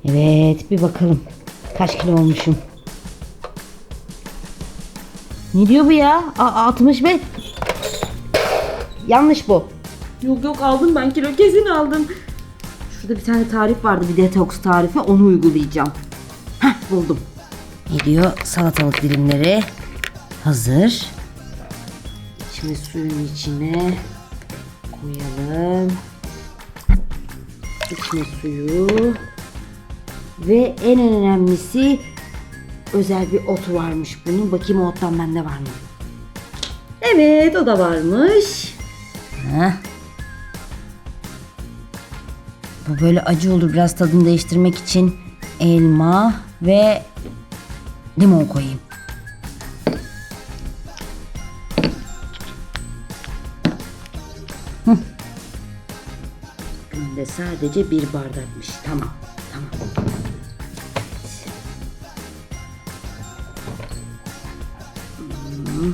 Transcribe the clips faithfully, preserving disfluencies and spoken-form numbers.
Evet, bir bakalım kaç kilo olmuşum. Ne diyor bu ya? A altmış beş. Yanlış bu. Yok yok aldım ben kilo kesin aldım. Şurada bir tane tarif vardı, bir detoks tarifi, onu uygulayacağım. Heh, buldum. Ne diyor? Salatalık dilimleri hazır. Şimdi suyun içine koyalım. İçine suyu. Ve en önemlisi, özel bir otu varmış bunun. Bakayım o ottan bende var mı? Evet, o da varmış. Heh. Bu böyle acı olur. Biraz tadını değiştirmek için elma ve limon koyayım. Hı. Günde sadece bir bardakmış. Tamam. Tamam. Hmm.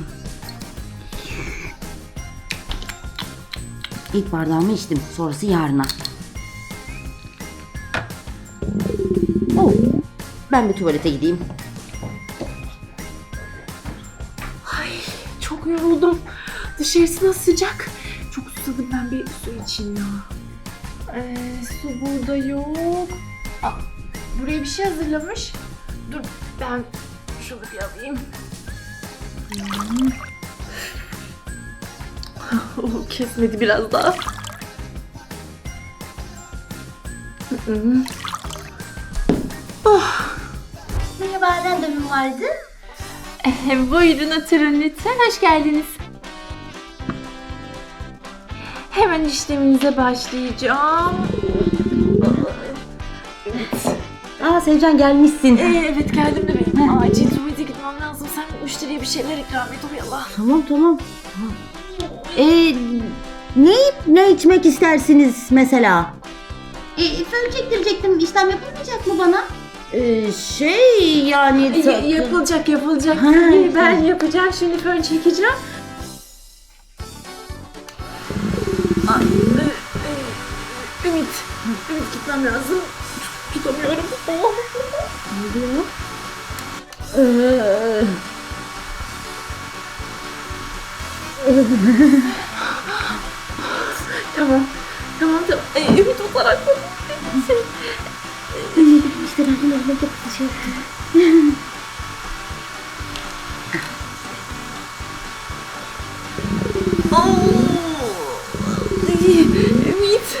İlk bardağımı içtim. Sonrası yarına. Oh, ben bir tuvalete gideyim. Ay çok yoruldum. Dışarısı nasıl sıcak. Çok susadım, ben bir su içeyim ya. Ee, su burada yok. Aa, buraya bir şey hazırlamış. Dur ben şunu bir alayım. Hmm. Oh, kesmedi biraz daha. Hmm. Oh. Merhaba, randevum vardı. Eh, buyurun oturun lütfen. Hoş geldiniz. Hemen işleminize başlayacağım. Evet. Aa, Sevcan gelmişsin. Ee, evet geldim de benim acil tuvalete gitmem lazım. Sen müşteriye bir şeyler ikram et oyala. Tamam tamam. Tamam. Ee, ne ne içmek istersiniz mesela? E, fön çektirecektim. İşlem yapılmayacak mı bana? Ee, şey yani Ya- yapılacak yapılacak. Ha, Ee, ben tamam. yapacağım şimdi, fön çekeceğim. Ay, e, e, Ümit. Ümit gitmem lazım. Tutamıyorum. Oh. Ne diyor? Ee, Tamam. Tamam tamam. Ay, Ümit o tarafta. işte ben de öyle şey yaptım. Ümit.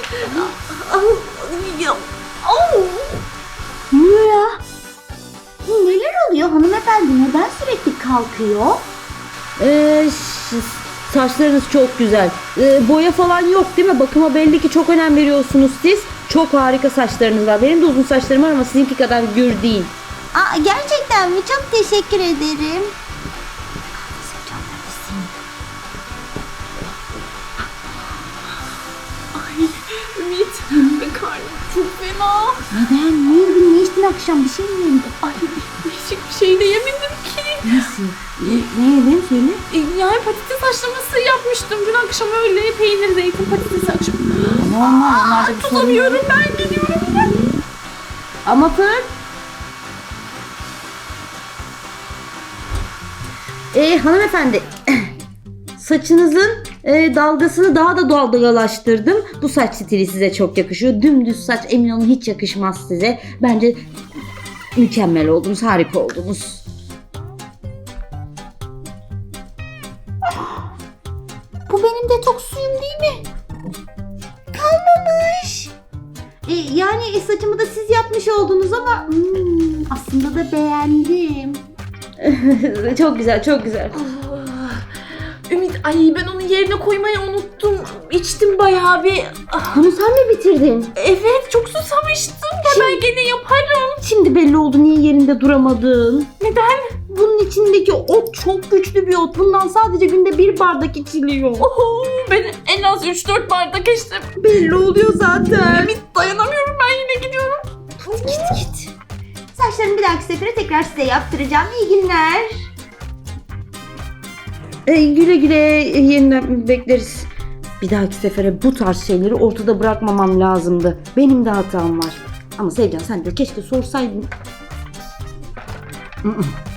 Ne oluyor ya? Neler oluyor hanımefendi? Neden sürekli kalkıyor? Ee, ş- saçlarınız çok güzel. Ee, boya falan yok değil mi? Bakıma belli ki çok önem veriyorsunuz siz. Çok harika saçlarınız var. Benim de uzun saçlarım var ama sizinki kadar gür değil. Aa, gerçekten mi? Çok teşekkür ederim. Ay Ümit. Karnım çok fena. Neden? Ne yedin? Ne içtin akşam? Bir şey mi yedin? Ay değişik bir şey de yemedim ki. Nasıl? Ne, ne yedin söyle? E, Yani patates haşlaması yapmıştım dün akşam, öyle peynir, zeytin, patates akşam. Normal. Onlarda bir sorun yok. Tutamıyorum, ben gidiyorum. Ama fır. Ee, hanımefendi. Saçınızın e, dalgasını daha da dalgalaştırdım. Bu saç stili size çok yakışıyor. Dümdüz saç emin olun hiç yakışmaz size. Bence mükemmel oldunuz, harika oldunuz. Bu benim detoks suyum değil mi? Kalmamış. E, yani e, saçımı da siz yapmış oldunuz ama hmm, aslında da beğendim. Çok güzel, çok güzel. Ümit, ay ben onu yerine koymayı unuttum. İçtim bayağı bir. Ah, Bunu sen mi bitirdin? evet çok susamıştım. Ya ben gene yaparım. Şimdi belli oldu niye yerinde duramadın. Neden? Bunun içindeki ot çok güçlü bir ot. Bundan sadece günde bir bardak içiliyor. Oho, ben en az üç dört bardak içtim. Belli oluyor zaten. Ümit dayanamıyorum, ben yine gidiyorum. Git git. Saçlarımı bir dahaki sefere tekrar size yaptıracağım. İyi günler. Ee, güle güle yeniden bekleriz. Bir dahaki sefere bu tarz şeyleri ortada bırakmamam lazımdı. Benim de hatam var. Ama Sevcan sen de keşke sorsaydın. Mm-mm.